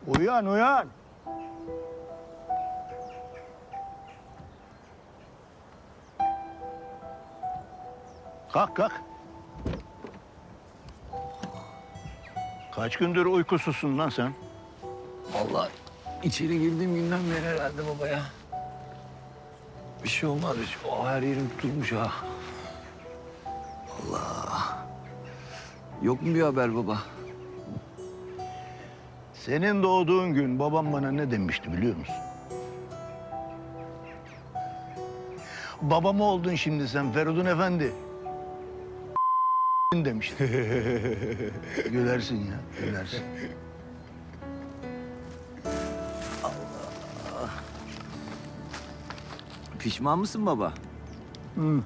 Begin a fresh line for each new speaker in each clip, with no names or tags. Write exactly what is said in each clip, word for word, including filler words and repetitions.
Uyan, uyan. Kalk, kalk. Kaç gündür uykusuzsun lan sen?
Vallahi içeri girdiğim günden beri herhalde baba ya. Bir şey olmaz. Bir şey. Oh, her yerim tutulmuş ha. Allah. Yok mu bir haber baba?
Senin doğduğun gün babam bana ne demişti biliyor musun? Babam oldun şimdi sen Feridun Efendi. demişti. Gülersin ya, gülersin.
Pişman mısın baba?
Hı.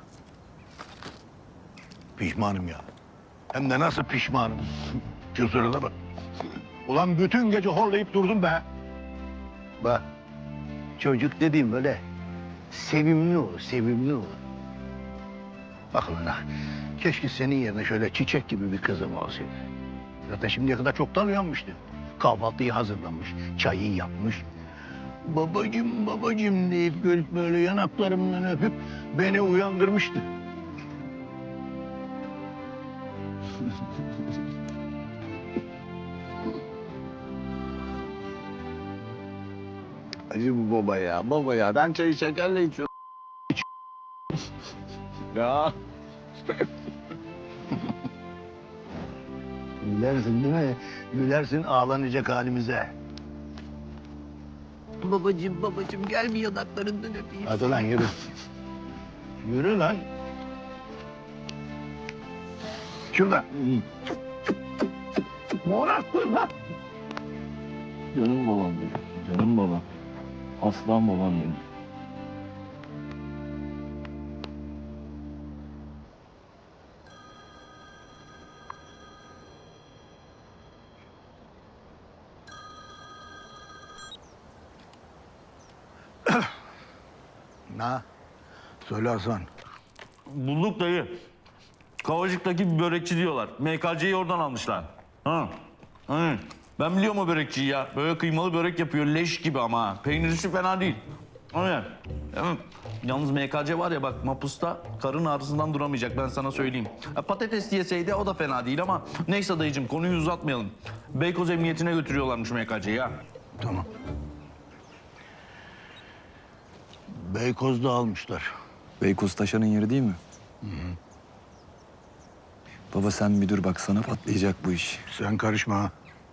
Pişmanım ya. Hem de nasıl pişmanım. Şu sırada bak. Ulan bütün gece horlayıp durdum be. Bak. Çocuk dediğim böyle sevimli olur, sevimli olur. Bak ulan ha. Keşke senin yerine şöyle çiçek gibi bir kızım olsaydı. Zaten şimdiye kadar çoktan uyanmıştı. Kahvaltıyı hazırlamış, çayı yapmış. Babacım, babacım deyip gelip böyle yanaklarımdan öpüp beni uyandırmıştı.
Acı bu baba ya, baba ya. Ben çayı şekerle içiyorum. Ya.
Gülersin değil mi? Gülersin ağlanacak halimize.
Babacığım, babacığım gel bir yanaklarından öpeyim.
Hadi lan yürü. Yürü lan. Şuradan. Morarttın lan.
Canım babam benim, canım babam. Aslan babam benim.
Na. Söyle Hasan.
Bulduk dayı. Kavacık'taki bir börekçi diyorlar. M K C'yi oradan almışlar. Ha. Hı. Ben biliyorum o börekçiyi ya. Böyle kıymalı börek yapıyor leş gibi ama ha. Peynirisi fena değil. Öyle. Evet. Yalnız M K C var ya bak mapusta karın ağrısından duramayacak ben sana söyleyeyim. Ha, patates yeseydi o da fena değil ama neyse dayıcığım konuyu uzatmayalım. Beykoz Emniyetine götürüyorlarmış M K C'yi ha.
Tamam. Beykoz'da almışlar.
Beykoz Taşan'ın yeri değil mi? Hı hı. Baba sen bir dur bak sana patlayacak bu iş.
Sen karışma ha.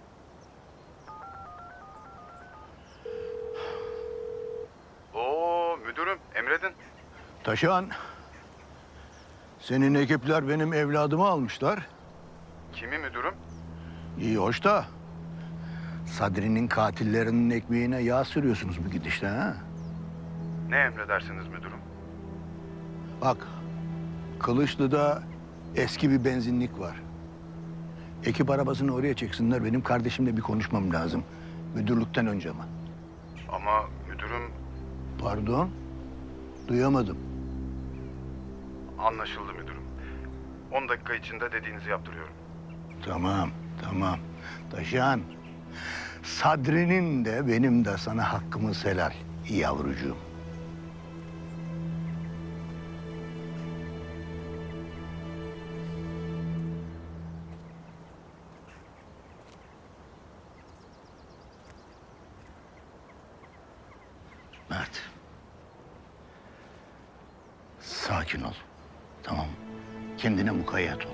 Oo müdürüm emredin.
Taşan. Senin ekipler benim evladımı almışlar.
Kimi müdürüm?
İyi hoş da. Sadri'nin katillerinin ekmeğine yağ sürüyorsunuz bu gidişle ha.
Ne emredersiniz müdürüm?
Bak, Kılıçlı'da eski bir benzinlik var. Ekip arabasını oraya çeksinler. Benim kardeşimle bir konuşmam lazım. Müdürlükten önce ama.
Ama müdürüm
Pardon, duyamadım.
anlaşıldı müdürüm. On dakika içinde dediğinizi yaptırıyorum.
Tamam, tamam. Taşan, Sadri'nin de benim de sana hakkımız helal yavrucuğum. Mert. Sakin ol. Tamam. Kendine mukayyet ol.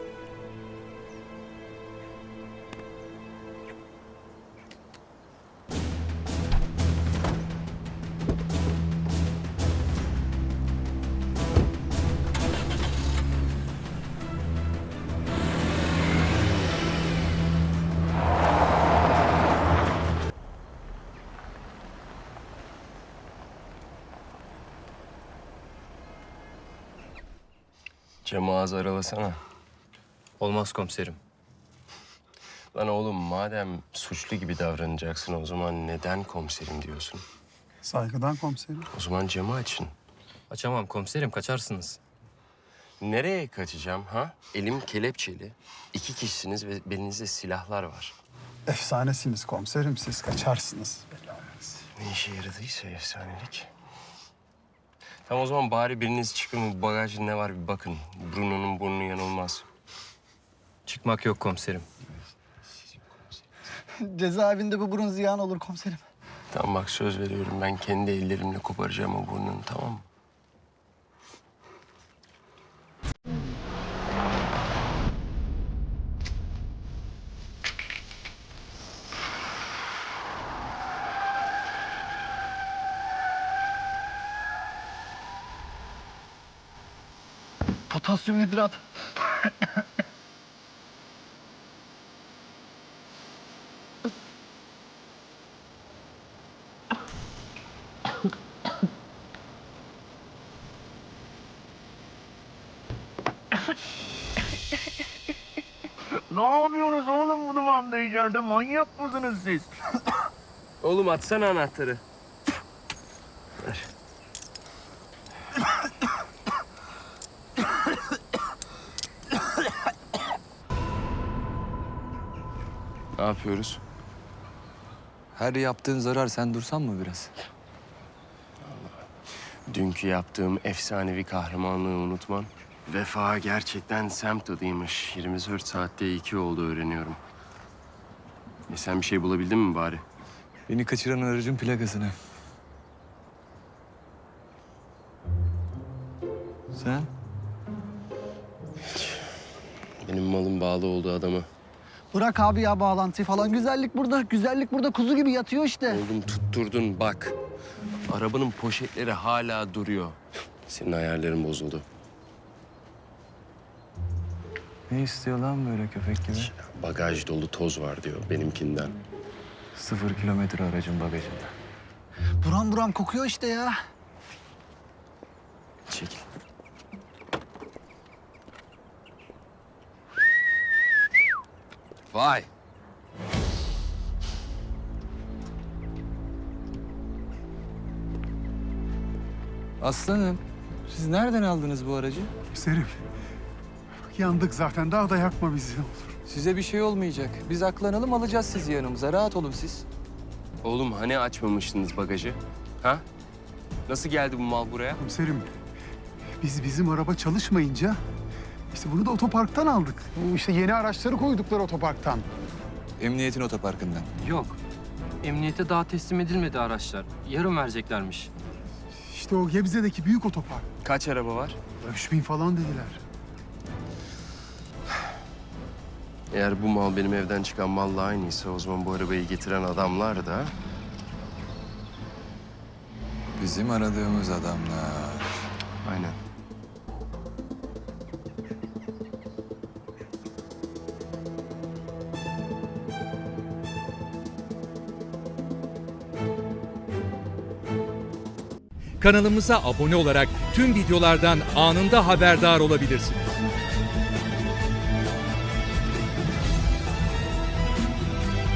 Camı ağzı aralasana.
Olmaz komiserim.
Lan oğlum madem suçlu gibi davranacaksın o zaman neden komiserim diyorsun?
Saygıdan komiserim.
O zaman camı açın.
Açamam komiserim, kaçarsınız.
Nereye kaçacağım ha? Elim kelepçeli. İki kişisiniz ve belinizde silahlar var.
Efsanesiniz komiserim, siz kaçarsınız. Belli olmaz.
Ne işe yaradıysa efsanelik. Tamam o zaman bari biriniz çıkın bu bagajda ne var bir bakın. Bruno'nun burnu yanılmaz.
Çıkmak yok komiserim.
Cezaevinde bu burun ziyan olur komiserim.
Tamam bak söz veriyorum ben kendi ellerimle koparacağım o burnunu tamam mı?
Potasyum hidrat. Ne yapıyorsunuz oğlum bu dumanda içeride? Manyak mısınız siz?
Oğlum atsana anahtarı. Ver. Ne yapıyoruz?
Her yaptığın zarar, sen dursan mı biraz?
Dünkü yaptığım efsanevi kahramanlığı unutmam. Vefa gerçekten semt adıymış. yirmi dört saatte iki oldu öğreniyorum. E sen bir şey bulabildin mi bari?
Beni kaçıran aracın plakasını. Sen?
Benim malım bağlı olduğu adamı.
Bırak abi ya bağlantıyı falan. Güzellik burada, güzellik burada kuzu gibi yatıyor işte.
Oğlum tutturdun bak. Arabanın poşetleri hala duruyor. Senin ayarların bozuldu.
Ne istiyor lan böyle köpek gibi?
Bagaj dolu toz var diyor benimkinden.
Sıfır kilometre aracın bagajında.
Buram buram kokuyor işte ya.
Çekil. Vay.
Aslanım, siz nereden aldınız bu aracı?
Komiserim, bak yandık zaten. Daha da yakma bizi ne olur.
Size bir şey olmayacak. Biz aklanalım, alacağız sizi yanımıza. Rahat olun siz.
Oğlum hani açmamıştınız bagajı? Ha? Nasıl geldi bu mal buraya?
Komiserim, biz bizim araba çalışmayınca işte bunu da otoparktan aldık. Bu işte yeni araçları koydukları otoparktan.
Emniyetin otoparkından.
Yok. Emniyete daha teslim edilmedi araçlar. Yarın vereceklermiş.
İşte o Gebze'deki büyük otopark.
Kaç araba var?
Üç bin falan dediler.
Eğer bu mal benim evden çıkan malla aynıysa o zaman bu arabayı getiren adamlar da...
Bizim aradığımız adamlar.
Aynen.
Kanalımıza abone olarak tüm videolardan anında haberdar olabilirsiniz.